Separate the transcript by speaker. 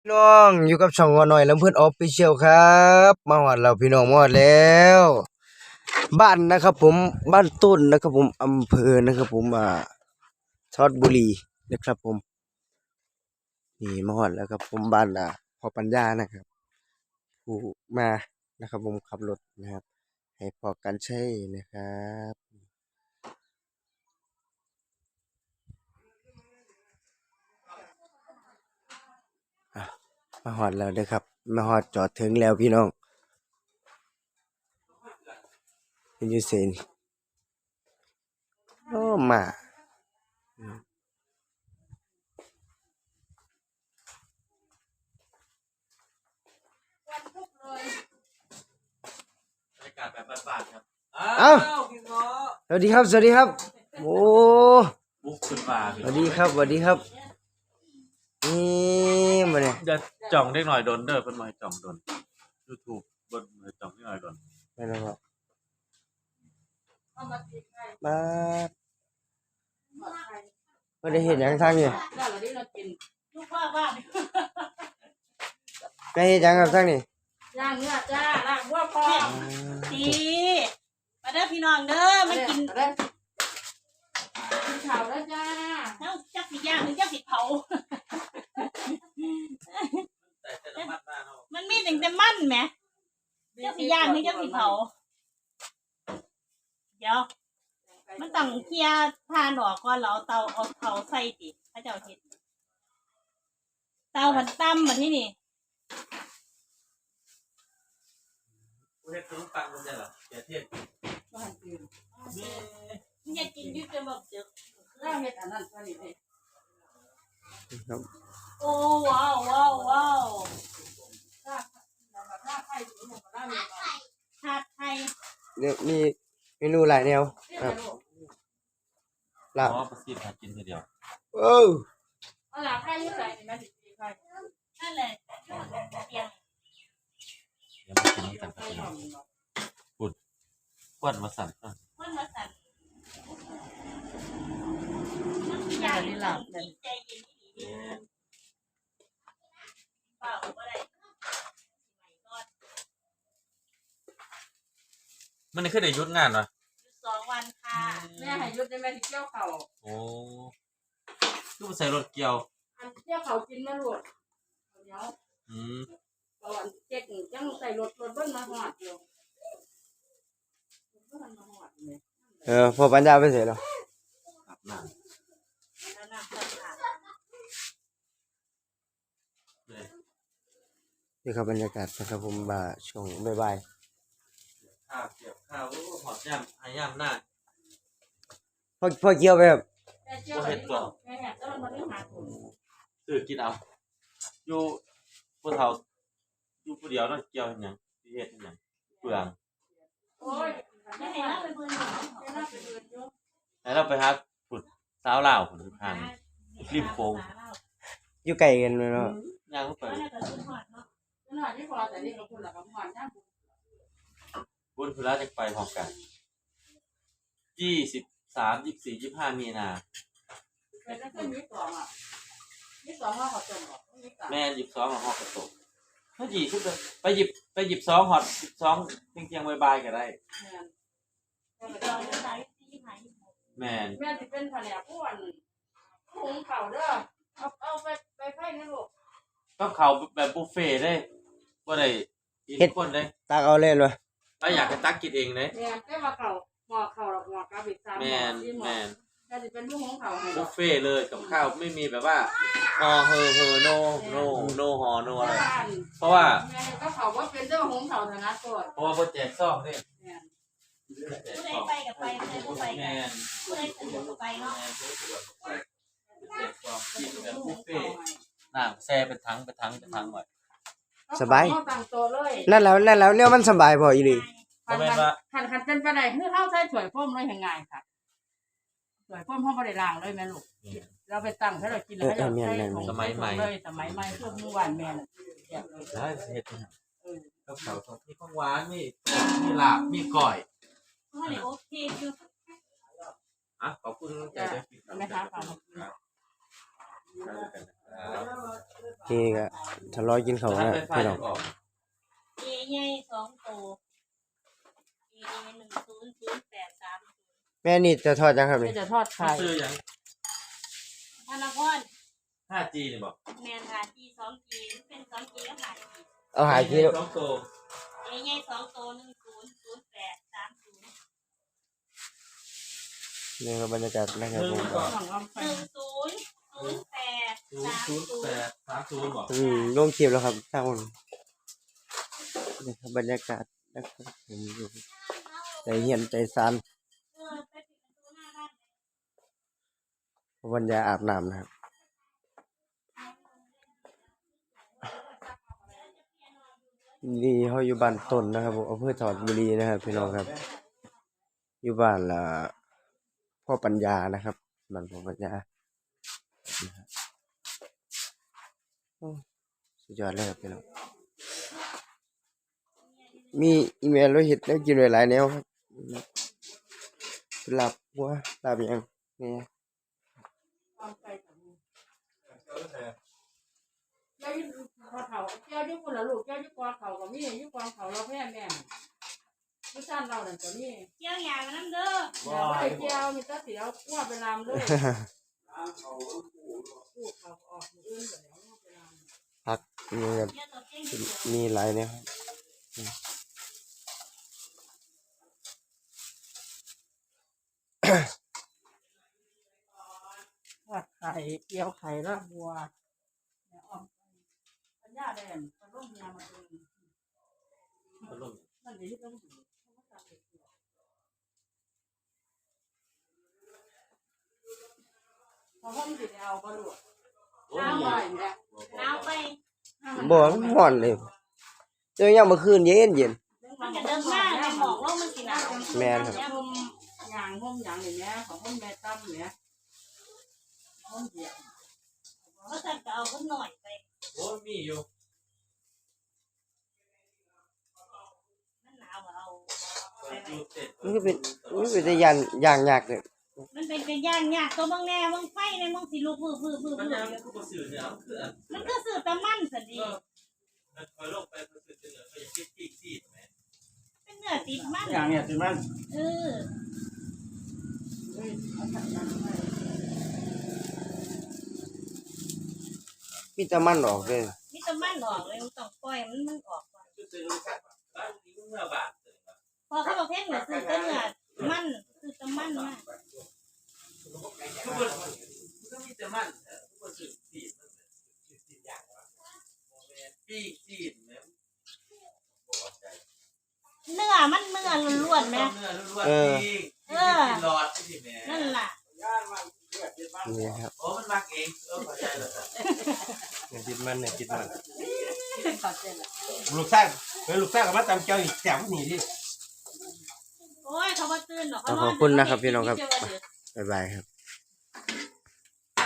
Speaker 1: น้องอยู่กับช่องงอหน่อยลำเพื่อนออฟฟิเชียลครับมาฮอดเราพี่น้องมาฮอดแล้วบ้านนะครับผมบ้านต้นนะครับผมอำเภอนะครับผมทอดบุรีนะครับผมนี่มาฮอดแล้วครับผมบ้านพ่อปัญญานะครับผู้มานะครับผมขับรถนะครับให้พอกันใช้นะครับอ่ะมาฮอดแล้วเด้อครับมาฮอดจอดถึงแล้วพี่น้องเป็นยูเซนโอ้มา
Speaker 2: บรรยากาศแบบบ้านๆครับ
Speaker 1: เอ้า
Speaker 2: พี่เงาะ
Speaker 1: สวัสดีครับสวัสดีครับโอ้
Speaker 2: บุกขึ้นมา
Speaker 1: สวัสดีครับสวัสดีครับนี่มาเนี่ย
Speaker 2: จะจ่องเล็กหน่อยโดนเด้อเป็นหน่อยจ่องโดน YouTube บนจ่องเล็กหน่อยโดน
Speaker 1: ไปแล้วครับมาไม่ได้เห็นอย่างทางนี่ไม่เห็นอย่างกับทางนี่
Speaker 3: ล่างเนื้อจ้าล่างวัวพอดีมาเด้อพี่น้องเด้อมากินเผาแล้วจ้าเอ้าจักสิย่างหรือจักสิเผามันมีแต่มันแหมจักสิย่างหรือจักสิเผาเดี๋ยวมันต้องเคลียร์ทานออกก่อนแล้วเอาเผาใส่ติพระเจ้าเฮ็ดเตาผันตั้มมาที่นี่
Speaker 2: เฮ็ดถึงฟังมันได้เหรอเดี๋ยวเทศ
Speaker 3: บ้านตื่นมึงอยากกินอยู่จะแบบเจอข้าวเฮ็ดอันนั้นก็นี่เด้
Speaker 1: ครับ
Speaker 3: โอ้ว้าวว้าวว้าวถ้าไข่ถึงหมดแล้วเลยชาไทย
Speaker 1: เนี่ยมีเมนูหลายแนวครับลาบ
Speaker 2: อ๋อประสิทธิ์หากินทีเดียว
Speaker 1: โอ้
Speaker 3: เอาล่ะไข่อยู่ใส่นี่แม่สิไข่นั่นแหละเตียง
Speaker 2: เดี๋ยวมากินกันสักหน่อยปุดควันมาสั่น
Speaker 3: มันมาสั่นมันอยากหลับใจเย็นดีเปล่าบ่ได้
Speaker 2: มันนี่คือได้หยุดงานวะ
Speaker 3: 2 วันค่ะแม่ให้หยุดได้แม่สิเกี่ยวข้าว
Speaker 2: โอ้ลูกใส่รถเกี่ยว
Speaker 3: อันเกี่ยวข้าวกินมาลูกเดี๋ยวก่อนเจ๊กจังใส่รถเบิ่นมาฮอดอยู่
Speaker 1: พอปัญญาไปเสร็จแล้ว
Speaker 2: อาบน้ำ
Speaker 1: นี่ครับบรรยากาศนะครับผมช่วงบ่าย
Speaker 2: ข้าวเกี่ยวข้าวหอดย่ำหายย่ำหน้า
Speaker 1: พ่อเกี่ยวไปครับ
Speaker 2: โอเห็ดตัวซื้อกินเอาอยู่ผู้เฒ่าอยู่ผู้เดียวนั่นเกี่ยวอย่างที่เฮ็ดอย่างเปลือง
Speaker 3: โอ้ยไม่ให้เราไปเบิ่งอยู่
Speaker 2: แล้วเราไปหาผุดสาวลาวผุดทางริมโค้ง
Speaker 1: อยู่ไกลกันเลยเนาะ
Speaker 2: ย่างเข้าไปบุญพุระจะไปพร้อมกัน23 24 25มีนาแม่22หอดกระตุกถ้า20เลยไป22หอด12เที่ยงบ่ายๆก็ได้แม่
Speaker 3: สิเป็นแผนกผู้อันหุงข้าวเด้อเอาไปไฟในลูก
Speaker 2: กับข้าวแบบบุฟเฟ่ต์ได้บ่ได้กินคนได้
Speaker 1: ตักเอาเล่นวะ
Speaker 2: ถ้าอยากจะตักกินเองเด้
Speaker 3: แม่ได้ว่าข้าวหม้อข้าวหม้อกะบิด3หม้อ
Speaker 2: แม่น
Speaker 3: แต่สิเป็นผู้หุงข้าวให้
Speaker 2: บุฟเฟ่ต์เลยกับข้าวไม่มีแบบว่าฮอเฮอโนฮอโนอะไรเพราะว่า
Speaker 3: แม่ก็ข้าวบ่เป็นเด้อหุงข้าวถนัดก่อน
Speaker 2: เพราะว่าบ่แจกซองเด้
Speaker 3: ผู้ใดไปกับไปผู้ใดบ่ไปกับผู้ใดสะดวกก็ไปเนาะ
Speaker 2: แจกซองกินแบบบุฟเฟ่ต์น้ำแช่เป็นถังไว้
Speaker 1: สบาย
Speaker 3: ตั้งโต๊ะเลย
Speaker 1: นั่นแล้วเนี่ยมันสบายพออีหลี
Speaker 3: คันเป็นไปได้คือเฮาใส่ถ้วยพ่มเลยง่ายค่ะถ้วยพ่มเฮาบ่ได้ล้างเลยแม่ลูกเราไปตั้งให้เรากินแล้วให้เราใส่
Speaker 2: สมัยใหม่
Speaker 3: พวกมื้อวานแม่น่ะ
Speaker 2: ได้เฮ็ดกับข้าวมีของหวานมีลาบมีก้อย
Speaker 3: โอเคอยู่
Speaker 2: ขอบคุณใจด้วย
Speaker 3: แม่ค้าค่ะ
Speaker 1: นี่ก็ทะเลาะกินเขาว
Speaker 2: ถ้า
Speaker 1: นะ
Speaker 2: ไฟฟ้า
Speaker 1: พี่น้
Speaker 2: ยั
Speaker 1: อง
Speaker 2: งออก
Speaker 3: เอใหญ่2ตัวเอ100830
Speaker 1: แม่นี่จะทอดยังครับ
Speaker 4: ไม่
Speaker 1: นี่
Speaker 4: จะทอด
Speaker 2: ถ้า
Speaker 4: ไข่
Speaker 2: ซื้อยัง
Speaker 3: ธนพร
Speaker 2: 5G นี่บอก
Speaker 3: แมนหาจี2จีเป็น2จีก็หาจี
Speaker 1: เอาหากิโล
Speaker 2: สองตัว
Speaker 3: เอใหญ่2ตัว100830
Speaker 1: นี่ครับบรรยากาศนะครับผม
Speaker 4: สองอ้อมไฟ
Speaker 3: 100830
Speaker 2: บอก
Speaker 1: ลงคลิปแล้วครับท่านผู้ชมนี่ครับบรรยากาศนะครับผมอยู่ใจเหียนใจซัน
Speaker 3: ไปปิดประตูหน้าบ้าน
Speaker 1: วันยาอาบน้ำนะครับนี่เขาอยู่บ้านต้นนะครับผมอำเภอถอดบุรีนะครับพี่น้องครับ อยู่บ้านละพ่อปัญญานะครับบ้านพ่อปัญญานะครับโอ้สุดยอดเลยครับพี่น้องมีอีเมลเราเห็ดแล้วกินหลายๆแนวครับหลับหัวหลับยังนี่
Speaker 4: อ้อมไฟกับมือเจ้าอยู่พอเขาเจ้าอยู่คนละลูกเจ้าอยู่กอเขากับมีอยู่กองเขาเราแพ้แม่ผู้ชายเราเนี่ยกับมี
Speaker 3: เกี่ยวหยางน้ำเด้อ
Speaker 4: อย่าไปเจ้ามีแต่เสียวว่าไปลามเลยพูดเขาออกมืออื่นแบบนี้ไปลาม
Speaker 1: พักนี่ครับ
Speaker 3: เกี่ยวตัวเก่งเดียว
Speaker 1: มีหลายแนวครับ
Speaker 4: ทอดไข่เกี๊ยวไข่ลาบบัวเนี่ยอ้อมไฟปัญญาแดงปลาลูกเมียมาเอง
Speaker 2: พัดลม
Speaker 4: มันเดี๋ยวนี้ต้องดูพอห้องสิเอาปลาลูก
Speaker 2: โอ้
Speaker 4: น้ำ
Speaker 2: ย
Speaker 4: บ่อยเนี่ย
Speaker 3: หนาวไป
Speaker 1: บ่มันร้อนเลยเจอยังเมื่อคืนเย็น
Speaker 3: มันจะเดินหน้าในหมอกโลกมันสิหนาว
Speaker 1: แม่นครับ
Speaker 4: ห้มอย่างห้มอย่างอย่างเนี้ยของห้มแม่ตั้มเนี่ยห้มเดียว
Speaker 3: เพราะฉันจะเอาคนหน่อยไป
Speaker 2: โอ้ยมีอยู่
Speaker 3: มันหนาวเอา
Speaker 2: อยู่เสร็จ
Speaker 1: มันก็เป็นแต่อย่างยากเลย
Speaker 3: มันเป็นย่างยากตัวบางแน่บางไฟในบางสิลูกพื้
Speaker 2: มันยังคือบ่ซื้อเนี่ยคืออัน
Speaker 3: มันก็สื่อตะมันสันดี
Speaker 2: มันคอยลงไปบ่ซื้อจะเหลือก็อย่าคิดอีกสิแม่
Speaker 3: เป็นเนื้อติดมัน
Speaker 4: อย่างเนี้ยสิมัน
Speaker 3: เออ
Speaker 1: มีแต่มันออกเลย
Speaker 3: มีตะมันออกเลยมันต้องปล่อยมันออกก่อน
Speaker 2: คือซื้อรู้จักบ้านนี้เมื่อบาทเลยว่า
Speaker 3: พอเขาบอกเพ่งเนี่ยสื่อตะเนื้อมันสื่อตะมันมาก
Speaker 2: ทุกคนมันก็มีแต่มันทุกคนซื้อสีมันสีอย่างว่าปีกสีแม่บ่เข้าใจ
Speaker 3: เนื้อมันเนื้อล้วนๆไหม
Speaker 2: เนื้อล้วนๆปีกกินหลอดสิแม่
Speaker 3: นั่นล่ะ
Speaker 1: นี่ครับ
Speaker 2: โอ้มันมักเองเข้าใจแล้วจ้ะ
Speaker 1: เนี่ยคิดมันเนี่ยคิดมัน
Speaker 4: ขอเส้นละ
Speaker 5: ลูกสร้างลูกสร้างกับมาตำเจ้าอีกแถวนี่ดิ
Speaker 3: โอ้ยเขาบ่ตื่นหรอกเขา
Speaker 1: ขอบคุณนะครับพี่น้องครับบ๊ายบายครับ